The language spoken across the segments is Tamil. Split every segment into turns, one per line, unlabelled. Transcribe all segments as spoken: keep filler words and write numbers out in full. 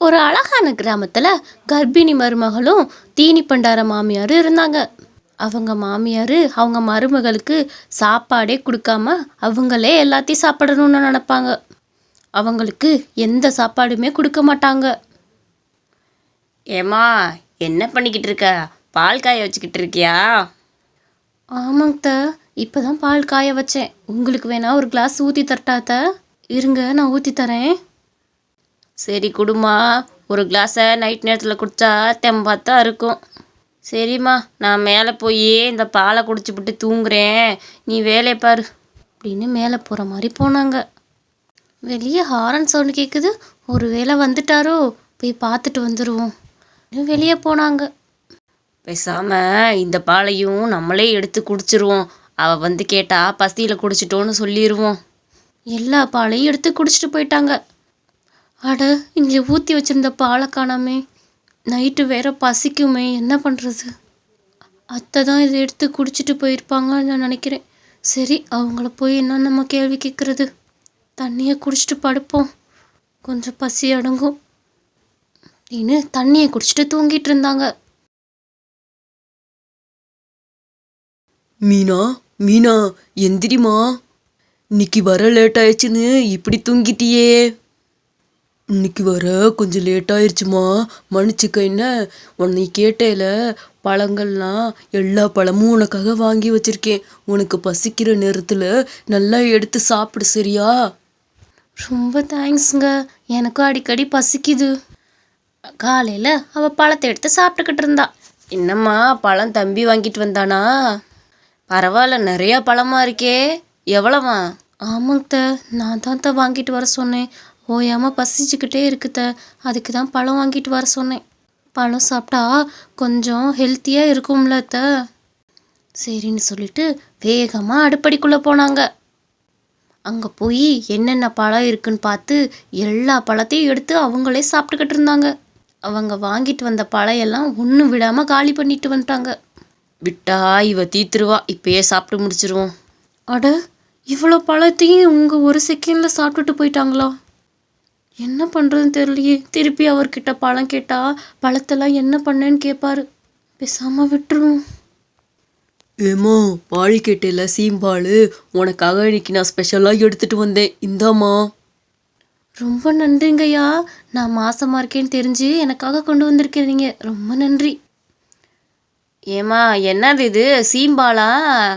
ஒரு அழகான கிராமத்தில் கர்ப்பிணி மருமகளும் தீனி பண்டார மாமியாரும் இருந்தாங்க. அவங்க மாமியார் அவங்க மருமகளுக்கு சாப்பாடே கொடுக்காம அவங்களே எல்லாத்தையும் சாப்பிடணும்னு நினைப்பாங்க. அவங்களுக்கு எந்த சாப்பாடுமே கொடுக்க மாட்டாங்க.
ஏம்மா, என்ன பண்ணிக்கிட்டு இருக்க? பால் காய வச்சுக்கிட்டு இருக்கியா?
ஆமாங்க த, இப்போ தான் பால் காய வச்சேன். உங்களுக்கு வேணா ஒரு கிளாஸ் ஊற்றி தரட்டாத்த? இருங்க, நான் ஊற்றி தரேன்.
சரி குடுமா, ஒரு கிளாஸை நைட் நேரத்தில் குடித்தா தெம்பாத்தான் இருக்கும். சரிம்மா, நான் மேலே போய் இந்த பாலை குடிச்சுப்புட்டு தூங்குறேன், நீ வேலையை பாரு
அப்படின்னு மேலே போகிற மாதிரி போனாங்க. வெளியே ஹாரன் சவுண்டு கேட்குது. ஒரு வேளை வந்துட்டாரோ, போய் பார்த்துட்டு வந்துடுவோம். வெளியே போனாங்க.
பேசாமல் இந்த பாலையும் நம்மளே எடுத்து குடிச்சிருவோம். அவள் வந்து கேட்டா பசியில் குடிச்சிட்டோன்னு சொல்லிடுவோம்.
எல்லா பாலையும் எடுத்து குடிச்சிட்டு போயிட்டாங்க. அட, இங்கே ஊற்றி வச்சுருந்த பாலை காணாமே. நைட்டு வேற பசிக்குமே, என்ன பண்ணுறது? அத்தை தான் இதை எடுத்து குடிச்சிட்டு போயிருப்பாங்கன்னு நான் நினைக்கிறேன். சரி, அவங்கள போய் என்ன நம்ம கேள்வி கேட்குறது? தண்ணியை குடிச்சிட்டு படுப்போம், கொஞ்சம் பசி அடங்கும் அப்படின்னு தண்ணியை குடிச்சிட்டு தூங்கிட்டு இருந்தாங்க.
மீனா, மீனா எந்திரிமா, இன்னைக்கு வர லேட் ஆயிடுச்சுன்னு இப்படி தூங்கிட்டியே. இன்னைக்கு வர கொஞ்சம் லேட் ஆயிடுச்சுமா, மன்னிச்சுக்க. என்ன உன்னை கேட்டேல, பழங்கள்லாம் எல்லா பழமும் உனக்காக வாங்கி வச்சிருக்கேன். உனக்கு பசிக்கிற நேரத்தில் நல்லா எடுத்து சாப்பிடு, சரியா?
ரொம்ப தேங்க்ஸுங்க, எனக்கும் அடிக்கடி பசிக்குது. காலையில் அவள் பழத்தை எடுத்து சாப்பிட்டுக்கிட்டு இருந்தா.
என்னம்மா, பழம் தம்பி வாங்கிட்டு வந்தானா? பரவாயில்ல, நிறையா பழமா இருக்கே. எவ்வளவா?
ஆமாங்க த, நான் தான் த வாங்கிட்டு வர சொன்னேன். ஓயாமல் பசிச்சுக்கிட்டே இருக்குத, அதுக்கு தான் பழம் வாங்கிட்டு வர சொன்னேன். பழம் சாப்பிட்டா கொஞ்சம் ஹெல்த்தியாக இருக்கும்ல த. சரின்னு சொல்லிட்டு வேகமாக அடுப்படிக்குள்ளே போனாங்க. அங்கே போய் என்னென்ன பழம் இருக்குன்னு பார்த்து எல்லா பழத்தையும் எடுத்து அவங்களே சாப்பிட்டுக்கிட்டு இருந்தாங்க. அவங்க வாங்கிட்டு வந்த பழம் எல்லாம் ஒன்றும் விடாமல் காலி பண்ணிட்டு வந்துட்டாங்க.
விட்டா இவ தீத்துருவா, இப்பயே சாப்பிட்டு முடிச்சிருவோம்.
அட, இவ்வளோ பழத்தையும் இவங்க ஒரு செகண்டில் சாப்பிட்டுட்டு போயிட்டாங்களா? என்ன பண்ணுறதுன்னு தெரியலையே. திருப்பி அவர்கிட்ட பழம் கேட்டால் பழத்தெல்லாம் என்ன பண்ணேன்னு கேட்பாரு. பேசாமல் விட்டுருவோம்.
ஏம்மா, பால் கேட்டேல, சீம்பால், உனக்காக இன்னைக்கு நான் ஸ்பெஷலாக எடுத்துட்டு வந்தேன், இந்தாம்மா.
ரொம்ப நன்றிங்கய்யா, நான் மாசமாக இருக்கேன்னு தெரிஞ்சு எனக்காக கொண்டு வந்திருக்கிறீங்க, ரொம்ப நன்றி.
ஏம்மா, என்னது இது, சீம்பாலா?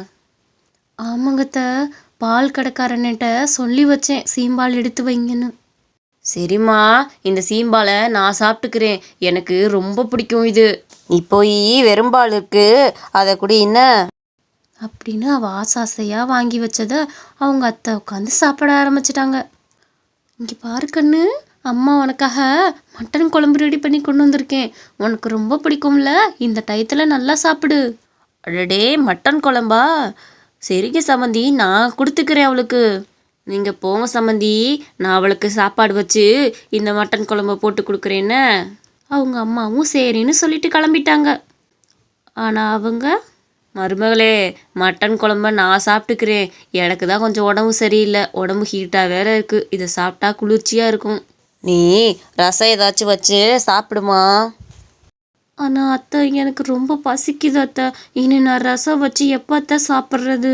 ஆமாங்கத்த, பால் கடைக்காரன்கிட்ட சொல்லி வச்சேன் சீம்பால் எடுத்து வைங்கன்னு.
சரிம்மா, இந்த சீம்பாலை நான் சாப்பிட்டுக்கிறேன், எனக்கு ரொம்ப பிடிக்கும் இது. நீ போய் வெறும்பால் இருக்கு, அதை குடி என்ன
அப்படின்னு அவள் ஆசாசையாக வாங்கி வச்சதை அவங்க அத்தை உட்காந்து சாப்பிட ஆரம்பிச்சிட்டாங்க. இங்கே பாரு கண்ணு, அம்மா உனக்காக மட்டன் குழம்பு ரெடி பண்ணி கொண்டு வந்திருக்கேன். உனக்கு ரொம்ப பிடிக்கும்ல, இந்த டயத்தில் நல்லா சாப்பிடு.
அடடே, மட்டன் குழம்பா? சரிங்க சம்மந்தி, நான் கொடுத்துக்கிறேன் அவளுக்கு. நீங்கள் போங்க சம்மந்தி, நான் அவளுக்கு சாப்பாடு வச்சு இந்த மட்டன் குழம்பை போட்டு கொடுக்குறேன்னு.
அவங்க அம்மாவும் சரின்னு சொல்லிட்டு கிளம்பிட்டாங்க.
ஆனால் அவங்க, மருமகளே, மட்டன் குழம்ப நான் சாப்பிட்டுக்கிறேன், எனக்கு தான் கொஞ்சம் உடம்பு சரியில்லை, உடம்பு ஹீட்டாக வேற இருக்குது, இதை சாப்பிட்டா குளிர்ச்சியாக இருக்கும், நீ ரசம் ஏதாச்சும் வச்சு சாப்பிடுமா.
ஆனால் அத்தை, எனக்கு ரொம்ப பசிக்குது அத்தை. இனி நான் ரசம் வச்சு எப்போ அத்தை சாப்பிட்றது?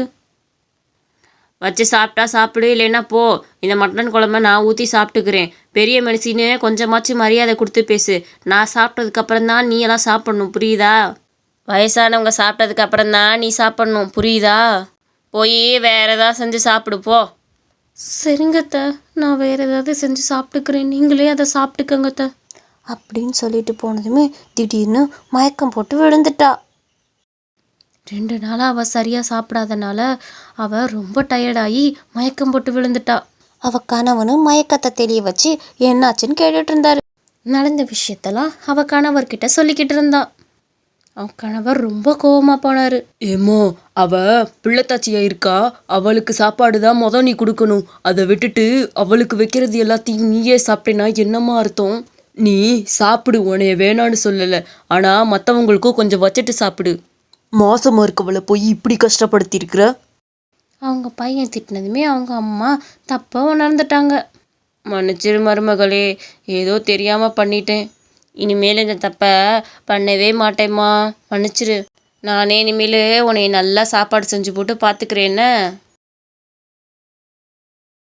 வச்சு சாப்பிட்டா சாப்பிடு, இல்லைன்னா போ. இந்த மட்டன் குழம்ப நான் ஊற்றி சாப்பிட்டுக்கிறேன். பெரிய மனுஷின்னு கொஞ்சமாச்சும் மரியாதை கொடுத்து பேசு. நான் சாப்பிட்டதுக்கப்புறம் தான் நீ எல்லாம் சாப்பிட்ணும், புரியுதா? வயசானவங்க சாப்பிட்டதுக்கு அப்புறம் தான் நீ சாப்பிட்ணும், புரியுதா? போய் வேற ஏதாவது செஞ்சு சாப்பிடு போ.
சரிங்கத்த, நான் வேற ஏதாவது செஞ்சு சாப்பிட்டுக்கிறேன், நீங்களே அதை சாப்பிட்டுக்கங்கத்த அப்படின்னு சொல்லிட்டு போனதுமே திடீர்னு மயக்கம் போட்டு விழுந்துட்டா. ரெண்டு நாளாக அவள் சரியாக சாப்பிடாதனால அவள் ரொம்ப டயர்டாகி மயக்கம் போட்டு விழுந்துட்டா. அவள் கணவனும் மயக்கத்தை தெரிய வச்சு என்னாச்சுன்னு கேட்டுட்டு இருந்தாரு. நடந்த விஷயத்தெல்லாம் அவள் கணவர்கிட்ட சொல்லிக்கிட்டு இருந்தா. அவன் கணவர் ரொம்ப கோவமாக போனார்.
ஏம்மா, அவ பிள்ளைத்தாச்சியா இருக்கா, அவளுக்கு சாப்பாடு தான் மொதல் நீ கொடுக்கணும். அதை விட்டுட்டு அவளுக்கு வைக்கிறது எல்லாத்தையும் நீயே சாப்பிட்டேன்னா என்னம்மா அர்த்தம்? நீ சாப்பிடு, உனைய வேணான்னு சொல்லலை, ஆனால் மற்றவங்களுக்கும் கொஞ்சம் வச்சுட்டு சாப்பிடு. மாசமா இருக்கவளை போய் இப்படி கஷ்டப்படுத்தியிருக்கிற.
அவங்க பையன் திட்டினதுமே அவங்க அம்மா தப்பாக உணர்ந்துட்டாங்க.
மன்னிச்சிரு மருமகளே, ஏதோ தெரியாமல் பண்ணிட்டேன். இனிமேல் இந்த தப்பை பண்ணவே மாட்டேம்மா, மன்னிச்சிரு. நானே இனிமேல் உன்னை நல்லா சாப்பாடு செஞ்சு போட்டு பார்த்துக்கிறேன்ன.